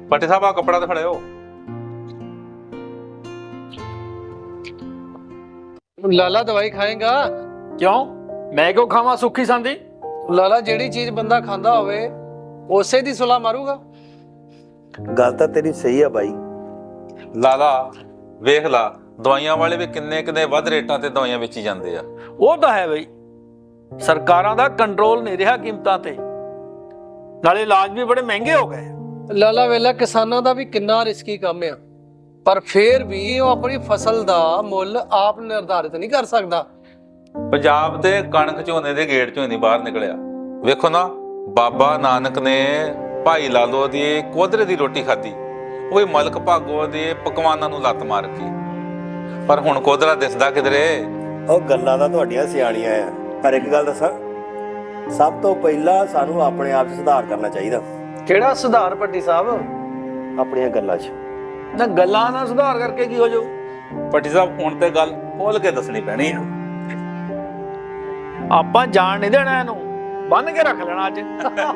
पट्टी साहब आ कपड़ा तो खड़े हो। लाला दवाई खाएगा? क्यों मैं क्यों खावा सुखी सांदी? लाला जेड़ी चीज बंदा खांदा होवे उसे दी सुला मारूगा। गल तां तेरी सही है बाई। लाला वेख ला दवाइयां वाले भी किन्ने किन्ने वध रेटां ते दवाइयां बेची जांदे आ। ਉਹ ਤਾਂ ਹੈ ਬਈ, ਸਰਕਾਰਾਂ ਦਾ ਕੰਟਰੋਲ ਨਹੀਂ ਰਿਹਾ ਕੀਮਤਾਂ ਤੇ, ਨਾਲੇ ਇਲਾਜ ਵੀ ਬੜੇ ਮਹਿੰਗੇ ਹੋ ਗਏ। ਲਾਲਾ ਵੇਲਾ ਕਿਸਾਨਾਂ ਦਾ ਵੀ ਕਿੰਨਾ ਰਿਸਕੀ ਕੰਮ ਆ, ਪਰ ਫੇਰ ਵੀ ਉਹ ਆਪਣੀ ਫਸਲ ਦਾ ਮੁੱਲ ਆਪ ਨਿਰਧਾਰਿਤ ਨਹੀਂ ਕਰ ਸਕਦਾ। ਪੰਜਾਬ ਤੇ ਕਣਕ ਝੋਨੇ ਦੇ ਗੇੜ ਚੋਂ ਨਹੀਂ ਬਾਹਰ ਨਿਕਲਿਆ। ਵੇਖੋ ਨਾ ਬਾਬਾ ਨਾਨਕ ਨੇ ਭਾਈ ਲਾਲੋ ਦੀ ਕੋਧਰੇ ਦੀ ਰੋਟੀ ਖਾਧੀ, ਉਹ ਵੀ ਮਲਕ ਭਾਗੋ ਦੇ ਪਕਵਾਨਾਂ ਨੂੰ ਲੱਤ ਮਾਰ ਕੇ, ਪਰ ਹੁਣ ਕੋਧਰਾ ਦਿਸਦਾ ਕਿਧਰੇ। ਉਹ ਗੱਲਾਂ ਤਾਂ ਤੁਹਾਡੀਆਂ ਸਿਆਣੀਆਂ ਆ, ਪਰ ਇੱਕ ਗੱਲ ਦੱਸਾਂ, ਸਭ ਤੋਂ ਪਹਿਲਾਂ ਸਾਨੂੰ ਆਪਣੇ ਆਪ 'ਚ ਸੁਧਾਰ ਕਰਨਾ ਚਾਹੀਦਾ। ਕਿਹੜਾ ਸੁਧਾਰ ਪੱਟੀ ਸਾਹਿਬ? ਆਪਣੀਆਂ ਗੱਲਾਂ 'ਚ ਨਾ ਗੱਲਾਂ ਨਾਲ ਸੁਧਾਰ ਕਰਕੇ ਕੀ ਹੋ ਜਾਊ? ਪੱਟੀ ਸਾਹਿਬ ਹੁਣ ਤੇ ਗੱਲ ਖੋਲ ਕੇ ਦੱਸਣੀ ਪੈਣੀ ਆ। ਆਪਾਂ ਜਾਣ ਨਹੀਂ ਦੇਣਾ, ਇਹਨੂੰ ਬੰਨ ਕੇ ਰੱਖ ਲੈਣਾ ਅੱਜ।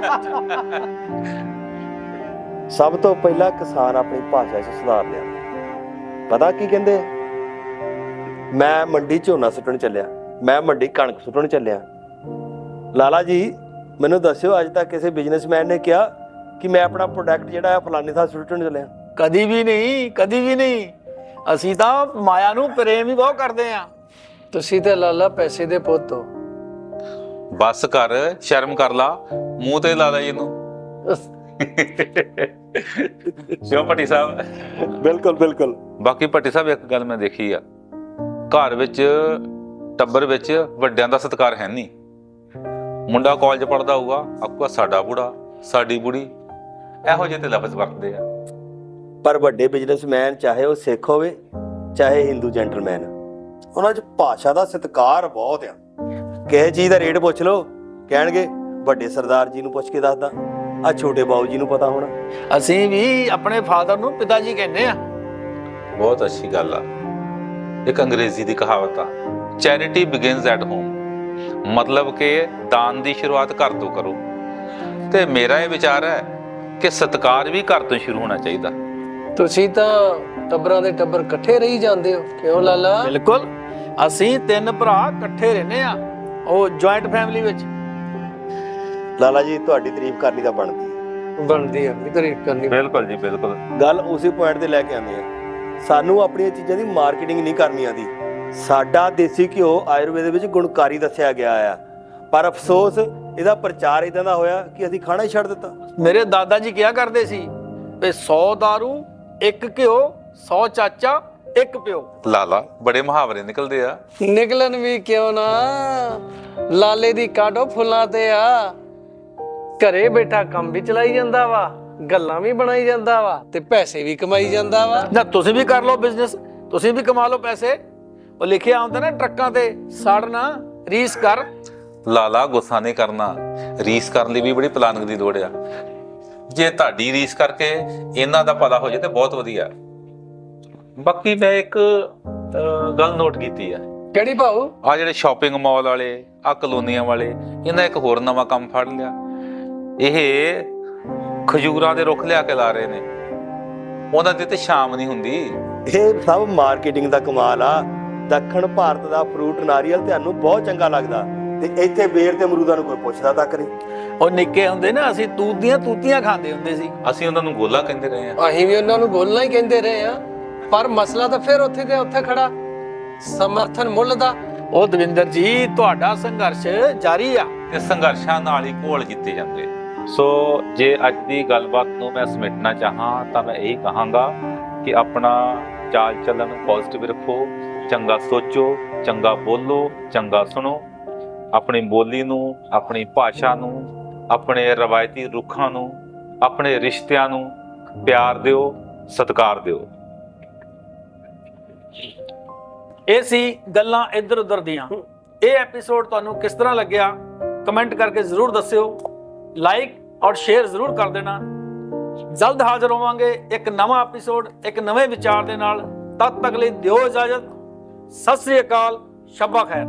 ਸਭ ਤੋਂ ਪਹਿਲਾਂ ਕਿਸਾਨ ਆਪਣੀ ਭਾਸ਼ਾ 'ਚ ਸੁਧਾਰ ਲਿਆ। ਪਤਾ ਕੀ ਕਹਿੰਦੇ? ਮੈਂ ਮੰਡੀ ਝੋਨਾ ਸੁੱਟਣ ਚੱਲਿਆ, ਮੈਂ ਮੰਡੀ ਕਣਕ ਸੁੱਟਣ ਚੱਲਿਆ। ਲਾਲਾ ਜੀ ਮੈਨੂੰ ਦੱਸਿਓ, ਅੱਜ ਤੱਕ ਕਿਸੇ ਬਿਜ਼ਨਸਮੈਨ ਨੇ ਕਿਹਾ ਕਿ ਮੈਂ ਆਪਣਾ ਪ੍ਰੋਡਕਟ ਜਿਹੜਾ ਹੈ ਫਲਾਣੇ ਥਾਂ ਸੁੱਟਣ ਚੱਲਿਆ? ਕਦੀ ਵੀ ਨਹੀਂ, ਕਦੀ ਵੀ ਨਹੀਂ। ਅਸੀਂ ਤਾਂ ਮਾਇਆ ਨੂੰ ਪ੍ਰੇਮ ਹੀ ਬਹੁਤ ਕਰਦੇ ਆ। ਤੁਸੀਂ ਤੇ ਲਾਲਾ ਪੈਸੇ ਦੇ ਪੁੱਤ ਹੋ। ਬਸ ਕਰ, ਸ਼ਰਮ ਕਰ ਲਾ, ਮੂੰਹ ਤੇ ਲਾ ਲੈ ਇਹਨੂੰ। ਕਿਉਂ ਪੱਟੀ ਸਾਹਿਬ? ਬਿਲਕੁਲ ਬਿਲਕੁਲ। ਬਾਕੀ ਪੱਟੀ ਸਾਹਿਬ ਇੱਕ ਗੱਲ ਮੈਂ ਦੇਖੀ ਆ, ਘਰ ਵਿੱਚ ਟੱਬਰ ਵਿੱਚ ਵੱਡਿਆਂ ਦਾ ਸਤਿਕਾਰ ਹੈ ਨਹੀਂ। ਮੁੰਡਾ ਕਾਲਜ ਪੜ੍ਹਦਾ ਹੋਊਗਾ, ਆਖੂਗਾ ਸਾਡਾ ਬੁੜਾ, ਸਾਡੀ ਬੁੜੀ, ਇਹੋ ਜਿਹੇ ਤੇ ਲਫ਼ਜ਼ ਵਰਤਦੇ ਆ। ਪਰ ਵੱਡੇ ਬਿਜ਼ਨਸਮੈਨ ਚਾਹੇ ਉਹ ਸਿੱਖ ਹੋਵੇ ਚਾਹੇ ਹਿੰਦੂ ਜੈਂਟਲਮੈਨ, ਉਹਨਾਂ 'ਚ ਭਾਸ਼ਾ ਦਾ ਸਤਿਕਾਰ ਬਹੁਤ ਆ। ਕਿਸੇ ਚੀਜ਼ ਦਾ ਰੇਟ ਪੁੱਛ ਲਓ, ਕਹਿਣਗੇ ਵੱਡੇ ਸਰਦਾਰ ਜੀ ਨੂੰ ਪੁੱਛ ਕੇ ਦੱਸਦਾ, ਆ ਛੋਟੇ ਬਾਊ ਜੀ ਨੂੰ ਪਤਾ ਹੋਣਾ। ਅਸੀਂ ਵੀ ਆਪਣੇ ਫਾਦਰ ਨੂੰ ਪਿਤਾ ਜੀ ਕਹਿੰਦੇ ਆ। ਬਹੁਤ ਅੱਛੀ ਗੱਲ ਆ। ਇੱਕ ਅੰਗਰੇਜ਼ੀ ਦੀ ਕਹਾਵਤ ਆ, ਚੈਰਿਟੀ ਬਿਗਿਨਸ ਐਟ ਹੋਮ, ਮਤਲਬ ਕਿ ਦਾਨ ਦੀ ਸ਼ੁਰੂਆਤ ਘਰ ਤੋਂ ਕਰੋ। ਤੇ ਮੇਰਾ ਇਹ ਵਿਚਾਰ ਹੈ ਕਿ ਸਤਿਕਾਰ ਵੀ ਘਰ ਤੋਂ ਸ਼ੁਰੂ ਹੋਣਾ ਚਾਹੀਦਾ। ਤੁਸੀਂ ਤਾਂ ਟੱਬਰਾਂ ਦੇ ਟੱਬਰ ਇਕੱਠੇ ਰਹੀ ਜਾਂਦੇ ਹੋ, ਕਿਉਂ ਲਾਲਾ? ਬਿਲਕੁਲ, ਅਸੀਂ 3 ਭਰਾ ਇਕੱਠੇ ਰਹਿੰਦੇ ਆ, ਉਹ ਜੁਆਇੰਟ ਫੈਮਿਲੀ ਵਿੱਚ। ਲਾਲਾ ਜੀ ਤੁਹਾਡੀ ਤਾਰੀਫ ਕਰਨੀ ਤਾਂ ਬਣਦੀ ਹੈ। ਬਣਦੀ ਆ ਤਾਰੀਫ ਕਰਨੀ। ਬਿਲਕੁਲ ਜੀ ਬਿਲਕੁਲ। ਗੱਲ ਉਸੇ ਪੁਆਇੰਟ ਤੇ ਲੈ ਕੇ ਆਉਂਦੇ ਆ, ਸਾਨੂੰ ਆਪਣੀਆਂ ਚੀਜ਼ਾਂ ਦੀ ਮਾਰਕੀਟਿੰਗ ਨਹੀਂ ਕਰਨੀ ਆਉਂਦੀ। ਸਾਡਾ ਦੇਸੀ ਘਿਓ ਆਯੁਰਵੇਦ ਵਿੱਚ ਗੁਣਕਾਰੀ ਦੱਸਿਆ ਗਿਆ ਆ, ਪਰ ਅਫਸੋਸ ਇਹਦਾ ਪ੍ਰਚਾਰ ਇਦਾਂ ਦਾ ਹੋਇਆ ਕਿ ਅਸੀਂ ਖਾਣਾ ਹੀ ਛੱਡ ਦਿੱਤਾ। ਮੇਰੇ ਦਾਦਾ ਜੀ ਕਿਹਾ ਕਰਦੇ ਸੀ ਵੀ 100 ਦਾਰੂ 1 ਘਿਓ, 100 ਚਾਚਾ 1 ਪਿਓ। ਲਾਲਾ ਬੜੇ ਮੁਹਾਵਰੇ ਨਿਕਲਦੇ ਆ। ਨਿਕਲਣ ਵੀ ਕਿਉਂ ਨਾ, ਲਾਲੇ ਦੀ ਕਾਢੋ ਫੁੱਲਾਂ ਤੇ ਆ। ਘਰੇ ਬੈਠਾ ਕੰਮ ਵੀ ਚਲਾਈ ਜਾਂਦਾ ਵਾ, ਗੱਲਾਂ ਵੀ ਬਣਾਈ ਜਾਂਦਾ ਵਾ, ਤੇ ਪੈਸੇ ਵੀ ਕਮਾਈ ਜਾਂਦਾ ਵਾ। ਨਾ ਤੁਸੀਂ ਵੀ ਕਰ ਲਓ ਬਿਜ਼ਨਸ, ਤੁਸੀਂ ਵੀ ਕਮਾ ਲਓ ਪੈਸੇ। ਉਹ ਲਿਖਿਆ ਹੁੰਦਾ ਨਾ ਟਰੱਕਾਂ ਤੇ, ਸਾੜਨਾ ਰੀਸ ਕਰ। ਲਾਲਾ ਗੁੱਸਾ ਨਹੀਂ ਕਰਨਾ, ਰੀਸ ਕਰਨ ਲਈ ਵੀ ਬੜੀ ਪਲਾਨਿੰਗ ਦੀ ਲੋੜ ਆ। ਜੇ ਤੁਹਾਡੀ ਰੀਸ ਕਰਕੇ ਇਹਨਾਂ ਦਾ ਭਲਾ ਹੋ ਜਾਏ ਤੇ ਬਹੁਤ ਵਧੀਆ। ਬਾਕੀ ਮੈਂ ਇੱਕ ਗੱਲ ਨੋਟ ਕੀਤੀ ਆ, ਕਿਹੜੀ ਭਾਊ? ਆ ਜਿਹੜੇ ਸ਼ਾਪਿੰਗ ਮਾਲ ਵਾਲੇ, ਆ ਕਲੋਨੀਆਂ ਵਾਲੇ, ਇਹਨਾਂ ਇੱਕ ਹੋਰ ਨਵਾਂ ਕੰਮ ਫੜ ਲਿਆ। ਇਹ ਖਜੂਰਾਂ ਦੇ ਰੁੱਖ ਲਿਆ ਕੇ ਲਾ ਰਹੇ ਨੇ, ਉਹਨਾਂ ਦੀ ਤੇ ਸ਼ਾਮ ਨਹੀਂ ਹੁੰਦੀ। ਇਹ ਸਭ ਮਾਰਕੀਟਿੰਗ ਦਾ ਕਮਾਲ ਆ। ਦੱਖਣ ਭਾਰਤ ਦਾ ਫਰੂਟ ਨਾਰੀਅਲ ਤੁਹਾਨੂੰ ਬਹੁਤ ਚੰਗਾ ਲੱਗਦਾ, ਤੇ ਇੱਥੇ ਬੇਰ ਤੇ ਅਮਰੂਦਾਂ ਨੂੰ ਕੋਈ ਪੁੱਛਦਾ ਤੱਕ ਨਹੀਂ। ਉਹ ਨਿੱਕੇ ਹੁੰਦੇ ਨਾ ਅਸੀਂ ਤੂਤ ਦੀਆਂ ਤੂਤੀਆਂ ਖਾਂਦੇ ਹੁੰਦੇ ਸੀ। ਅਸੀਂ ਉਹਨਾਂ ਨੂੰ ਗੋਲਾ ਕਹਿੰਦੇ ਰਹੇ ਆ। ਅਸੀਂ ਵੀ ਉਹਨਾਂ ਨੂੰ ਗੋਲਣਾ ਹੀ ਕਹਿੰਦੇ ਰਹੇ ਆ, ਪਰ ਮਸਲਾ ਤਾਂ ਫਿਰ ਉੱਥੇ ਦੇ ਉੱਥੇ ਖੜਾ, ਸਮਰਥਨ ਮੁੱਲ ਦਾ। ਉਹ ਦਵਿੰਦਰ ਜੀ ਤੁਹਾਡਾ ਸੰਘਰਸ਼ ਜਾਰੀ ਆ, ਤੇ ਸੰਘਰਸ਼ਾਂ ਨਾਲ ਹੀ ਘੋਲ ਜਿੱਤੇ ਜਾਂਦੇ। ਸੋ ਜੇ ਅੱਜ ਦੀ ਗੱਲਬਾਤ ਨੂੰ ਮੈਂ ਸਮੇਟਣਾ ਚਾਹਾਂ ਤਾਂ ਮੈਂ ਇਹੀ ਕਹਾਂਗਾ ਕਿ ਆਪਣਾ ਚਾਲ ਚੱਲਣ ਪੋਜ਼ਿਟਿਵ ਰੱਖੋ, ਚੰਗਾ ਸੋਚੋ, ਚੰਗਾ ਬੋਲੋ, ਚੰਗਾ ਸੁਣੋ। ਆਪਣੀ ਬੋਲੀ ਨੂੰ, ਆਪਣੀ ਭਾਸ਼ਾ ਨੂੰ, ਆਪਣੇ ਰਵਾਇਤੀ ਰੁੱਖਾਂ ਨੂੰ, ਆਪਣੇ ਰਿਸ਼ਤਿਆਂ ਨੂੰ ਪਿਆਰ ਦਿਓ, ਸਤਿਕਾਰ ਦਿਓ। ਇਹ ਸੀ ਗੱਲਾਂ ਇੱਧਰ ਉੱਧਰ ਦੀਆਂ। ਇਹ ਐਪੀਸੋਡ ਤੁਹਾਨੂੰ ਕਿਸ ਤਰ੍ਹਾਂ ਲੱਗਿਆ ਕਮੈਂਟ ਕਰਕੇ ਜ਼ਰੂਰ ਦੱਸਿਓ। ਲਾਈਕ ਔਰ ਸ਼ੇਅਰ ਜ਼ਰੂਰ ਕਰ ਦੇਣਾ। ਜਲਦ ਹਾਜ਼ਰ ਹੋਵਾਂਗੇ ਇੱਕ ਨਵਾਂ ਐਪੀਸੋਡ ਇੱਕ ਨਵੇਂ ਵਿਚਾਰ ਦੇ ਨਾਲ। ਤਦ ਤੱਕ ਲਈ ਦਿਓ ਇਜਾਜ਼ਤ। ਸਤਿ ਸ੍ਰੀ ਅਕਾਲ, ਸ਼ੱਬਾ ਖੈਰ।